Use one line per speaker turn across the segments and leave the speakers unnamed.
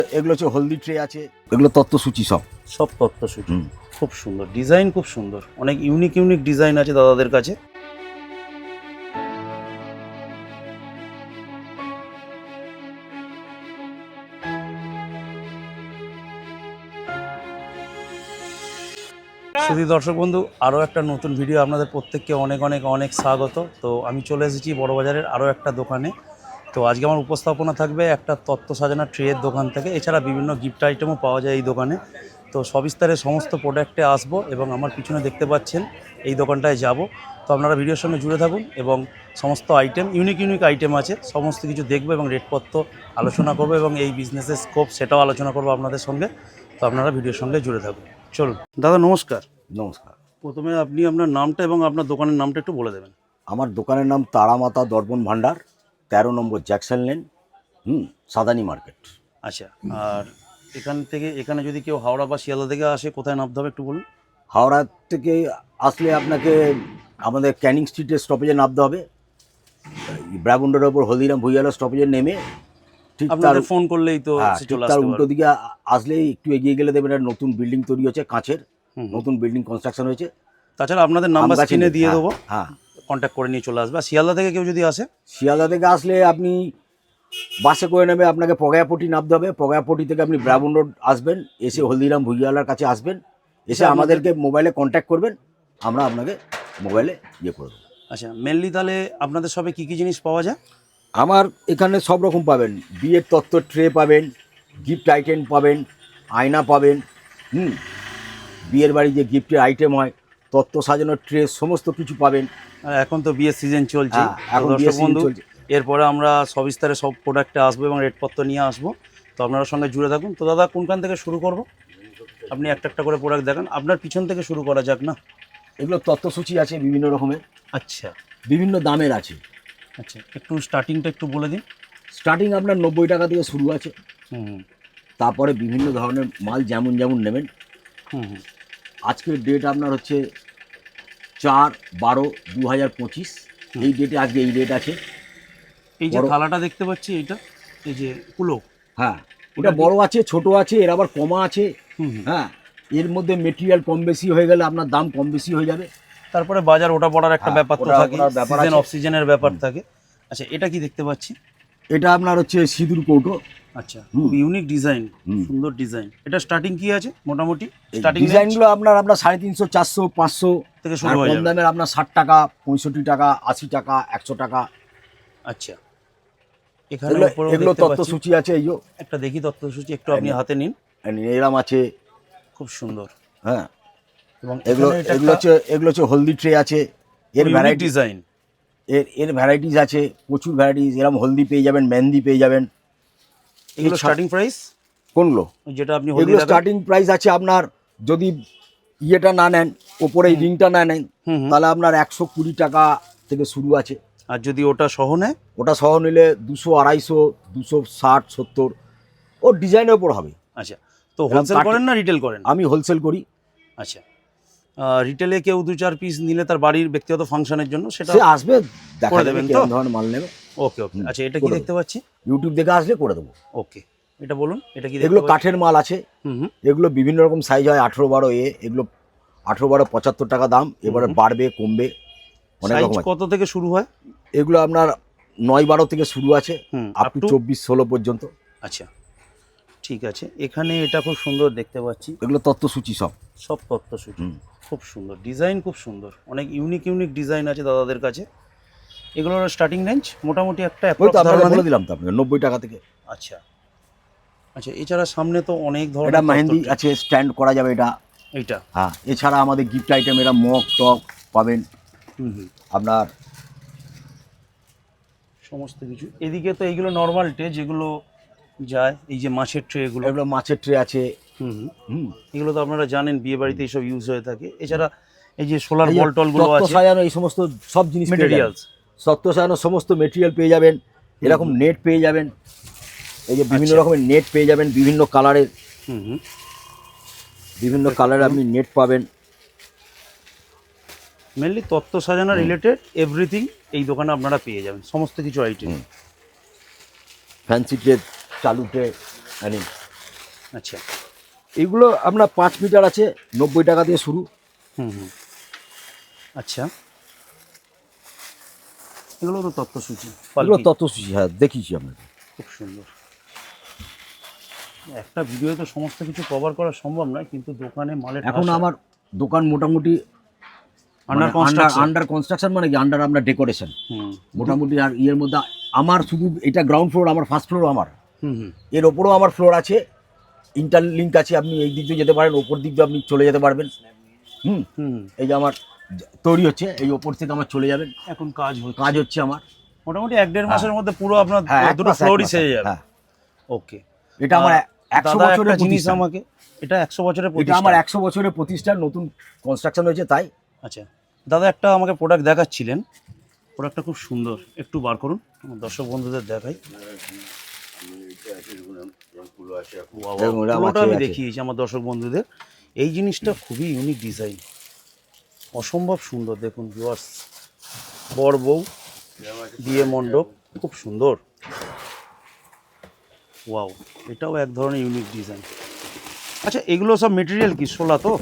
এগুলো হচ্ছে হলদি ট্রে আছে, এগুলো তত্ত্বসূচি সব।
সব তত্ত্বসূচি। খুব সুন্দর ডিজাইন, খুব সুন্দর, অনেক ইউনিক ইউনিক ডিজাইন আছে দাদাদের কাছে। শুধু দর্শক বন্ধু, আরও একটা নতুন ভিডিও আপনাদের প্রত্যেককে অনেক অনেক অনেক স্বাগত। তো আমি চলে এসেছি বড়বাজারের আরও একটা দোকানে। তো আজকে আমার উপস্থাপনা থাকবে একটা তত্ত্ব সাজানোর ট্রেয়ের দোকান থেকে, এছাড়া বিভিন্ন গিফট আইটেমও পাওয়া যায় এই দোকানে। তো সবিস্তারে সমস্ত প্রোডাক্টে আসবো এবং আমার পিছনে দেখতে পাচ্ছেন এই দোকানটায় যাব। তো আপনারা ভিডিওর সঙ্গে জুড়ে থাকুন এবং সমস্ত আইটেম, ইউনিক ইউনিক আইটেম আছে, সমস্ত কিছু দেখবো এবং রেটপত্র আলোচনা করবো এবং এই বিজনেসের স্কোপ সেটাও আলোচনা করবো আপনাদের সঙ্গে। তো আপনারা ভিডিওর সঙ্গে জুড়ে থাকুন। চলুন দাদা, নমস্কার।
নমস্কার।
প্রথমে আপনি আপনার নামটা এবং আপনার দোকানের নামটা একটু বলে দেবেন।
আমার দোকানের নাম তারামাতা দর্পণ ভান্ডার, 13 নম্বর জ্যাকসন লেন, সাদানি মার্কেট।
আচ্ছা, আর এখানে যদি কেউ হাওড়া বা শিয়ালদা থেকে আসে, কোথায় নামতে হবে একটু বলুন।
হাওড়া থেকে আসলে আপনাকে আমাদের ক্যানিং স্ট্রিটের স্টপেজে নামতে হবে। ব্রাবুন্ডের ওপর হলদিরাম ভুইয়ালা স্টপেজে নেমে ঠিক তার
আপনাদের ফোন করলেই তো সে
ঠিক
চলে
তার
আসতে
উল্টো
পারবে।
দিকে আসলেই একটু এগিয়ে গেলে দেখবেন একটা নতুন বিল্ডিং তৈরি হচ্ছে, কাঁচের নতুন বিল্ডিং কনস্ট্রাকশন হয়েছে।
তাছাড়া আপনাদের নাম্বার
আমগাছি
স্ক্রিনে দিয়ে
হ্যাঁ,
দেবো,
হ্যাঁ।
কন্ট্যাক্ট করে নিয়ে চলে আসবে। আর শিয়ালদা থেকে কেউ যদি আসে,
শিয়ালদা থেকে আসলে আপনি বাসে করে নেবে, আপনাকে পগায়াপট্টি নামতে হবে। পগায়াপট্টি থেকে আপনি ব্রাবুন রোড আসবেন, এসে হলদিরাম ভুইয়ালার কাছে আসবেন, এসে আমাদেরকে মোবাইলে কন্ট্যাক্ট করবেন, আমরা আপনাকে মোবাইলে ইয়ে করে দেবো।
আচ্ছা, মেনলি তাহলে আপনাদের সবে কী কী জিনিস পাওয়া যায়?
আমার এখানে সব রকম পাবেন, বিয়ের তত্ত্ব ট্রে পাবেন, গিফট আইটেম পাবেন, আয়না পাবেন, বিয়ের বাড়ি যে গিফটের আইটেম হয়, তত্ত্ব সাজানোর ট্রে, সমস্ত কিছু পাবেন।
আর এখন তো বিয়ের সিজন চলছে,
এখন
দর্শক
বিয়ের সিজন
বন্ধু,
চলছে।
এরপরে আমরা সবিস্তারে সব প্রোডাক্টে আসবো এবং রেটপত্র নিয়ে আসবো। তো আপনারা সঙ্গে জুড়ে থাকুন। তো দাদা, কোনখান থেকে শুরু করব? আপনি একটা একটা করে প্রোডাক্ট দেখান, আপনার পিছন থেকে শুরু করা যাক না?
এগুলো তত্ত্বসূচি আছে বিভিন্ন রকমের,
আচ্ছা
বিভিন্ন দামের আছে।
আচ্ছা, একটু স্টার্টিংটা একটু বলে দিন।
স্টার্টিং আপনার 90 টাকা থেকে শুরু আছে,
হুম
তারপরে বিভিন্ন ধরনের মাল যেমন যেমন নেবেন।
হুম হুম।
আজকের ডেট আপনার হচ্ছে 4/12/2025, এই ডেটে আজকে এই ডেট আছে।
এই যে
বড়
থালাটা দেখতে পাচ্ছি, এইটা এই যে কুলো,
হ্যাঁ, এটা বড় আছে, ছোট আছে, এর আবার কমা আছে। হ্যাঁ, এর মধ্যে মেটেরিয়াল কম বেশি হয়ে গেলে আপনার দাম কম বেশি হয়ে যাবে।
তারপরে বাজার ওটা পড়ার একটা
হ্যাঁ,
ব্যাপার তো
ওটা
থাকে,
পড়ার ব্যাপার
সিজন
আছে।
অফ সিজনের ব্যাপার থাকে। আচ্ছা, এটা কি দেখতে পাচ্ছি?
এটা আপনার হচ্ছে সিঁদুর কৌটো।
আচ্ছা, খুব ইউনিক ডিজাইন, সুন্দর ডিজাইন। এটা স্টার্টিং কি আছে মোটামুটি? স্টার্টিং
ডিজাইনগুলো আপনার 350, 400, 500
থেকে
আর
শুরু হয়ে
কম
যাবে।
দামের আপনার 60 টাকা, 65 টাকা, 80 টাকা, 100 টাকা।
আচ্ছা, এখানে
এগুলো
উপরেও
এগুলো
দেখতে পাচ্ছি
তত্ত্বসূচি আছে, এই যে
একটা, দেখি তথ্যসূচি একটু আপনি হাতে নিন।
এরম আছে।
খুব সুন্দর।
হ্যাঁ,
এবং
এগুলো
এগুলো
এগুলো হচ্ছে হলদি ট্রে আছে, এর ভ্যারাইটি
ডিজাইন।
এর ভ্যারাইটিস আছে, প্রচুর ভ্যারাইটিস। এরকম হলদি পেয়ে যাবেন, মেহেন্দি পেয়ে যাবেন।
এগুলো স্টার্টিং প্রাইস
কোনগুলো?
যেটা আপনি
এগুলো স্টার্টিং প্রাইস আছে আপনার, যদি ইয়েটা না নেন, ওপরে এই রিংটা না নেন, তাহলে আপনার 120 টাকা থেকে শুরু আছে।
আর যদি ওটা সহ নেয়?
ওটা সহ নিলে 200, 250, 260, 70, ওর ডিজাইনের উপর হবে।
আচ্ছা, তো হোলসেল করেন না রিটেল করেন?
আমি হোলসেল করি।
আচ্ছা, রিটেলে কেউ 2-4 পিস নিলে তার বাড়ির ব্যক্তিগত ফাংশনের জন্য সেটা
সে আসবে, দেখা
করে
দেবে
দেবেন তো?
কেমন ধরনের মাল নেবে।
ওকে ওকে। আচ্ছা, এটা কি দেখতে পাচ্ছি?
ইউটিউব দেখে আসলে করে দেবো।
ওকে, এটা বলুন, এটা কি?
এগুলো কাঠের মাল আছে,
হুম।
এগুলো বিভিন্ন রকম সাইজ হয়, 18-12 এগুলো 18-12 75 টাকা দাম। এবারে বাড়বে কমবে, অনেক
সাইজ
রকম আছে।
কত থেকে শুরু হয়?
এগুলো আপনার 9-12 থেকে শুরু আছে, আপ টু 24-16 পর্যন্ত।
আচ্ছা, ঠিক আছে। এখানে এটা খুব সুন্দর দেখতে পাচ্ছি,
এগুলো তত্ত্বসূচি সব।
সব তত্ত্বসূচি। খুব সুন্দর ডিজাইন, খুব সুন্দর, অনেক ইউনিক ইউনিক ডিজাইন আছে দাদাদের কাছে। এগুলোর স্টার্টিং রেঞ্জ মোটামুটি একটা
ওই তো আপনাকে বলে দিলাম তো আপনাকে, 90 টাকা থেকে।
আচ্ছা আচ্ছা, এছাড়া সামনে তো অনেক ধরনের
এটা মেহেন্দি আছে, স্ট্যান্ড করা যাবে এটা।
এইটা
হ্যাঁ, এছাড়া আমাদের গিফট আইটেম, এরা মগ টক পাবেন আপনার,
সমস্ত কিছু। এদিকে তো এইগুলো নর্মাল ট্রে যেগুলো যায়, এই যে মাছের ট্রে, এগুলো
মাছের ট্রে আছে।
এগুলো তো আপনারা জানেন বিয়ে বাড়িতে এইসব ইউজ হয়ে থাকে। এছাড়া এই যে সোলার বল টলগুলো আছে,
সাজানো, এই সমস্ত সব জিনিস
মেটেরিয়ালস,
তত্ত্ব সাজানো সমস্ত মেটেরিয়াল পেয়ে যাবেন। এরকম নেট পেয়ে যাবেন, এই যে বিভিন্ন রকমের নেট পেয়ে যাবেন, বিভিন্ন কালারের, বিভিন্ন কালারের আপনি নেট পাবেন।
মেনলি তত্ত্ব সাজানো রিলেটেড এভরিথিং এই দোকানে আপনারা পেয়ে যাবেন, সমস্ত কিছু আইটেম।
ফ্যান্সি ট্রে, চালু ট্রে,
আচ্ছা।
এগুলো আপনার 5 মিটার আছে, 90 টাকা দিয়ে শুরু।
হুম। আচ্ছা, এগুলো তো তত্ত্বসূচি,
এগুলো
পালকি।
তত্ত্বসূচি, হ্যাঁ দেখিয়েছি আপনাকে।
খুব সুন্দর। একটা ভিডিওতে তো সমস্ত কিছু কভার করা সম্ভব নয়, কিন্তু দোকানে মালের
এখন আমার দোকান মোটামুটি
আন্ডার কনস্ট্রাকশন।
আন্ডার কনস্ট্রাকশন, মানে কি আন্ডার আপনার ডেকোরেশন
হুম
মোটামুটি। আর ইয়ের মধ্যে আমার শুধু এটা গ্রাউন্ড ফ্লোর, আমার ফার্স্ট ফ্লোর আমার,
হুম।
এর ওপরেও আমার ফ্লোর আছে, ইন্টারলিঙ্ক আছে। আপনি এই দিক দিয়ে যেতে পারেন, ওপর দিক দিয়ে আপনি চলে যেতে পারবেন। হুম,
হুম।
এই যে আমার তৈরি হচ্ছে, এই ওপর থেকে আমার চলে যাবেন,
এখন কাজ
হচ্ছে আমার।
মোটামুটি 1-1.5 মাসের মধ্যে পুরো আপনার
হ্যাঁ,
দুটো ফ্লোরই সেরে যাবে।
হ্যাঁ,
ওকে।
এটা আমার 100
দাদা
বছরের
একটা জিনিস
প্রতিষ্ঠান।
আমাকে, এটা 100 বছরের
এটা
প্রতিষ্ঠান।
আমার 100 বছরের প্রতিষ্ঠান, নতুন কনস্ট্রাকশন হয়েছে তাই।
আচ্ছা দাদা, একটা আমাকে প্রোডাক্ট দেখাচ্ছিলেন, প্রোডাক্টটা খুব সুন্দর, একটু বার করুন, আমার দর্শক বন্ধুদের দেখাই। Wow, wow,
এরকম এরকম
পুরোটা
আছে,
আমি
আছে।
দেখিয়েছি আমার দর্শক বন্ধুদের। এই জিনিসটা খুবই ইউনিক ডিজাইন, অসম্ভব সুন্দর। দেখুন ভিউয়ার্স, বর বউ, বিয়ে মণ্ডপ, খুব সুন্দর। ওয়াও, এটাও এক ধরনের ইউনিক ডিজাইন। আচ্ছা, এগুলো সব মেটেরিয়াল কি শোলা তো?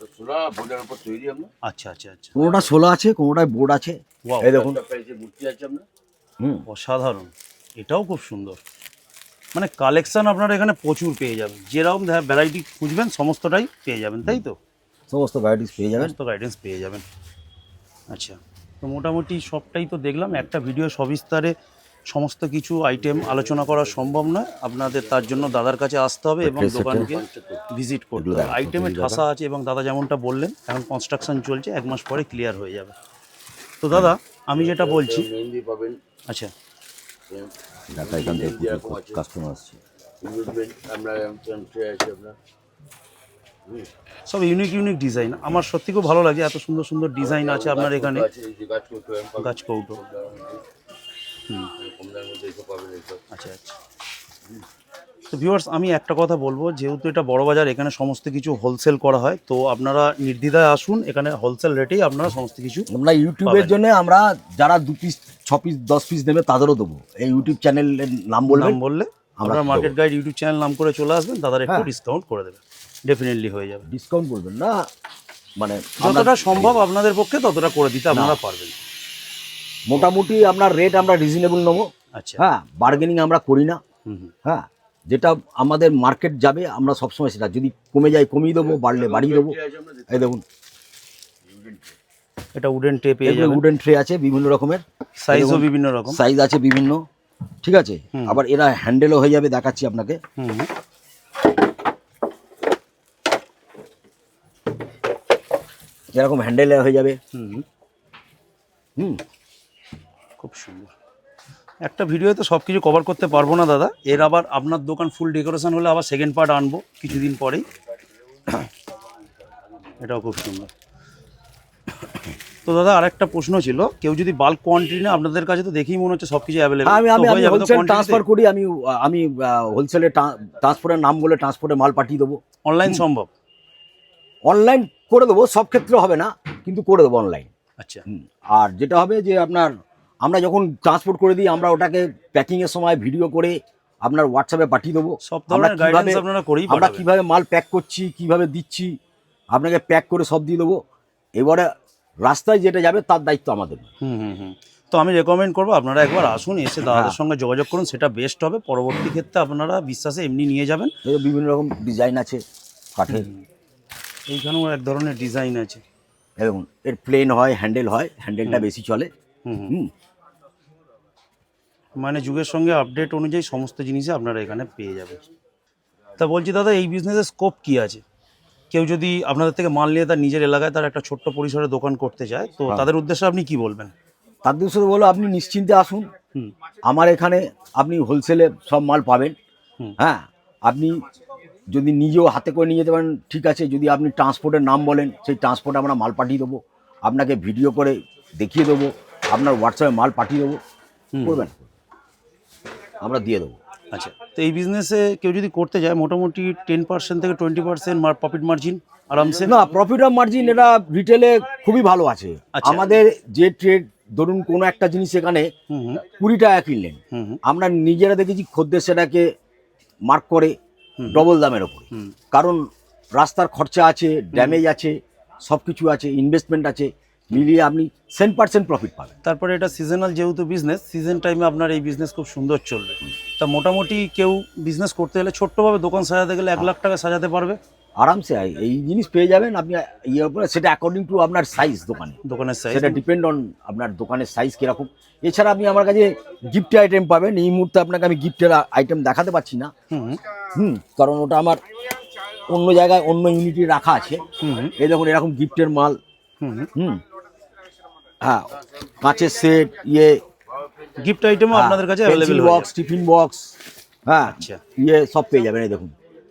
আচ্ছা আচ্ছা আচ্ছা।
কোনোটা 16 আছে, কোনোটায় বোর্ড আছে।
ওয়াও,
এই দেখুন। হুম,
অসাধারণ। এটাও খুব সুন্দর। মানে কালেকশন আপনারা এখানে প্রচুর পেয়ে যাবেন, যেরকম ভ্যারাইটি খুঁজবেন সমস্তটাই পেয়ে যাবেন, তাই তো?
সমস্ত ভ্যারাইটিস পেয়ে যাবেন।
সমস্ত গাইডেন্স পেয়ে যাবেন। আচ্ছা, তো মোটামুটি সবটাই তো দেখলাম। একটা ভিডিও সবিস্তারে সমস্ত কিছু আইটেম আলোচনা করা সম্ভব নয়, আপনাদের তার জন্য দাদার কাছে আসতে হবে এবং
Dress
দোকানকে ভিজিট করতে
এগুলো
হবে।
দেখো,
আইটেমে
এগুলো
ঠাসা আছে এবং দাদা যেমনটা বললেন এখন কনস্ট্রাকশন চলছে, 1 মাস পরে ক্লিয়ার হয়ে যাবে। তো দাদা আমি যেটা বলছি, আচ্ছা
ঢাকা এখান থেকে কাস্টমার আসছে।
সব ইউনিক ইউনিক ডিজাইন, আমার সত্যি খুব ভালো লাগে, এত সুন্দর সুন্দর ডিজাইন আছে আপনার এখানে। গাছ কৌটো। হুম, আচ্ছা আচ্ছা। তো ভিউয়ার্স, আমি একটা কথা বলবো, যেহেতু এটা বড় বাজার, এখানে সমস্ত কিছু হোলসেল করা হয়, তো আপনারা নির্দ্বিধায় আসুন, এখানে হোলসেল রেটেই আপনারা সমস্ত কিছু
আমরা ইউটিউবের
পাবেন।
জন্য আমরা যারা 2 পিস 6 পিস 10 পিস নেবে তাদেরও দেবো। এই ইউটিউব চ্যানেলের নাম বলবেন,
নাম বললে
আমরা
আপনারা মার্কেট
দেবো।
গাইড ইউটিউব চ্যানেল নাম করে চলে আসবেন, দাদার একটু
হ্যাঁ।
ডিসকাউন্ট করে দেবে, ডেফিনেটলি হয়ে যাবে।
ডিসকাউন্ট করবেন না, মানে আমরা
যতটা সম্ভব আপনাদের পক্ষে ততটা করে দিতে আপনারা পারবেন।
মোটামুটি আপনার রেট আমরা রিজনেবল নেবো।
আচ্ছা।
হ্যাঁ, বার্গেনিং আমরা করি না।
হুম হুম।
হ্যাঁ, যেটা আমাদের মার্কেট যাবে আমরা সবসময় সেটা, যদি কমে যায় কমিয়ে দেবো, বাড়লে বাড়িয়ে দেবো। এই দেখুন,
এটা উডেন টে পেয়ে
এগুলো
যাবেন,
উডেন ট্রে আছে বিভিন্ন রকমের,
সাইজও বিভিন্ন রকম।
সাইজ আছে বিভিন্ন, ঠিক আছে।
হুম।
আবার এরা হ্যান্ডেলও হয়ে যাবে, দেখাচ্ছি আপনাকে।
হুম হুম।
এরকম হ্যান্ডেল হয়ে যাবে।
হুম হুম।
হুম,
খুব সুন্দর। একটা ভিডিওতে সব কিছু কভার করতে পারবো না দাদা, এর আবার আপনার দোকান ফুল ডেকোরেশন হলে আবার সেকেন্ড পার্ট আনবো কিছুদিন পরেই। এটাও খুব সুন্দর। তো দাদা আরেকটা প্রশ্ন ছিল, কেউ যদি বাল্ক কোয়ান্টিটি না, আপনাদের কাছে তো দেখেই মনে হচ্ছে সব কিছু অ্যাভেলেবল,
আমি আমি আমি হোলসেল
কোয়ান্টিটি
ট্রান্সফার করি। আমি হোলসেলে ট্রান্সপোর্টের নাম বলে ট্রান্সপোর্টে মাল পাঠিয়ে দেবো।
অনলাইন সম্ভব?
অনলাইন করে দেবো, সব ক্ষেত্রে হবে না, কিন্তু করে দেবো অনলাইন।
আচ্ছা।
আর যেটা হবে যে আপনার, আমরা যখন ট্রান্সপোর্ট করে দিই, আমরা ওটাকে প্যাকিংয়ের সময় ভিডিও করে আপনার হোয়াটসঅ্যাপে পাঠিয়ে দেবো।
সব ধরনের গাইডেন্স আপনারা করেই
আমরা
পাঠাবেন।
কীভাবে মাল প্যাক করছি, কিভাবে দিচ্ছি, আপনাকে প্যাক করে সব দিয়ে দেবো। এবারে রাস্তায় যেটা যাবে তার দায়িত্ব আমাদের।
হুম হুম হুম। তো আমি রেকমেন্ড করবো আপনারা একবার আসুন, এসে দাদাদের সঙ্গে যোগাযোগ করুন, সেটা বেস্ট হবে। পরবর্তী ক্ষেত্রে আপনারা বিশ্বাসে এমনি নিয়ে যাবেন।
এই বিভিন্ন রকম ডিজাইন আছে কাঠের।
এইখানেও এক ধরনের ডিজাইন আছে।
এবং এর প্লেন হয়, হ্যান্ডেল হয়, হ্যান্ডেলটা বেশি চলে।
হুম হুম।
হুম,
মানে যুগের সঙ্গে আপডেট অনুযায়ী সমস্ত জিনিসই আপনারা এখানে পেয়ে যাবেন। তা বলছি দাদা, এই বিজনেসের স্কোপ কি আছে? কেউ যদি আপনাদের থেকে মাল নিয়ে তার নিজের এলাকায় তার একটা ছোট্ট পরিসরে দোকান করতে চায়, তো তাদের উদ্দেশ্যে আপনি কি বলবেন?
তার দুশো বলো, আপনি নিশ্চিন্তে আসুন।
হুম
আমার এখানে আপনি হোলসেলে সব মাল পাবেন।
হুম।
হ্যাঁ, আপনি যদি নিজেও হাতে করে নিয়ে যেতে পারেন ঠিক আছে। যদি আপনি ট্রান্সপোর্টের নাম বলেন, সেই ট্রান্সপোর্টে আমরা মাল পাঠিয়ে দেবো, আপনাকে ভিডিও করে দেখিয়ে দেবো, আপনার হোয়াটসঅ্যাপে মাল পাঠিয়ে দেবো, করবেন, আমরা দিয়ে দেবো।
আচ্ছা, তো এই বিজনেসে কেউ যদি করতে যায় মোটামুটি 10% থেকে 20% প্রফিট মার্জিন আরামসে?
না, প্রফিট অফ মার্জিন এটা রিটেলে খুবই ভালো আছে।
আচ্ছা।
আমাদের যে ট্রেড, ধরুন কোনো একটা জিনিস এখানে
হুম হুম
20 টাকা কিনলেন,
হুম হুম
আমরা নিজেরা দেখেছি খদ্দের সেটাকে মার্ক করে ডবল দামের ওপরে।
হুম।
কারণ রাস্তার খরচা আছে, ড্যামেজ আছে, সব কিছু আছে, ইনভেস্টমেন্ট আছে, মিলিয়ে আপনি 10% প্রফিট পাবেন।
তারপরে এটা সিজনাল যেহেতু বিজনেস, সিজন টাইমে আপনার এই বিজনেস খুব সুন্দর চলবে। তা মোটামুটি কেউ বিজনেস করতে গেলে ছোট্টভাবে দোকান সাজাতে গেলে 1 লাখ টাকা সাজাতে পারবে
আরামসে এই জিনিস পেয়ে যাবেন আপনি ইয়ের উপরে, সেটা অ্যাকর্ডিং টু আপনার সাইজ
দোকানের সাইজ।
সেটা ডিপেন্ড অন আপনার দোকানের সাইজ কীরকম। এছাড়া আপনি আমার কাছে গিফট আইটেম পাবেন। এই মুহূর্তে আপনাকে আমি গিফটের আইটেম দেখাতে পারছি না, কারণ ওটা আমার অন্য জায়গায় অন্য ইউনিটে রাখা আছে। এই দেখুন এরকম গিফটের মাল, হ্যাঁ, কাঁচের সেট,
গিফট আইটেমও আপনাদের কাছে অ্যাভেলেবেল
বক্স, টিফিন বক্স, হ্যাঁ,
আচ্ছা
সব পেয়ে যাবেন। এই দেখুন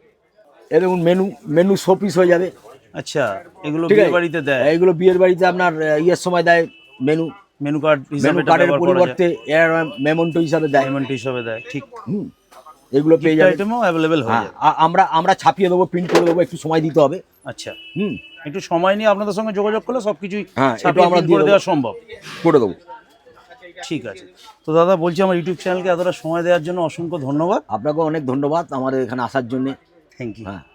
মেনু শোপিস হয়ে যাবে।
আচ্ছা, এগুলো
ঠিক
বিয়ে
আছে,
বাড়িতে দেয়?
এইগুলো বিয়ের বাড়িতে আপনার ইয়ের সময় দেয়, মেনু
কার্ড হিসাবে
কার্ডের পরিবর্তে মেমন্টো হিসাবে দেয়,
পেমেন্ট হিসাবে দেয়, ঠিক।
এগুলো পেয়ে
গিফট
যাবেন।
আইটেমও অ্যাভেলেবেল হয়ে যাবে।
আমরা ছাপিয়ে দেবো, প্রিন্ট করে দেবো, একটু সময় দিতে হবে।
আচ্ছা, একটু সময় নিয়ে আপনাদের সঙ্গে যোগাযোগ করলে সবকিছুই
হ্যাঁ,
ছাপিয়ে
আমরা
print করে দেওয়া সম্ভব।
করে দেবো।
ঠিক আছে, তো দাদা বলছি আমার ইউটিউব চ্যানেলকে এতটা সময় দেওয়ার জন্য অসংখ্য ধন্যবাদ।
আপনাকেও অনেক ধন্যবাদ আমাদের এখানে আসার জন্য।
Thank you.
হ্যাঁ।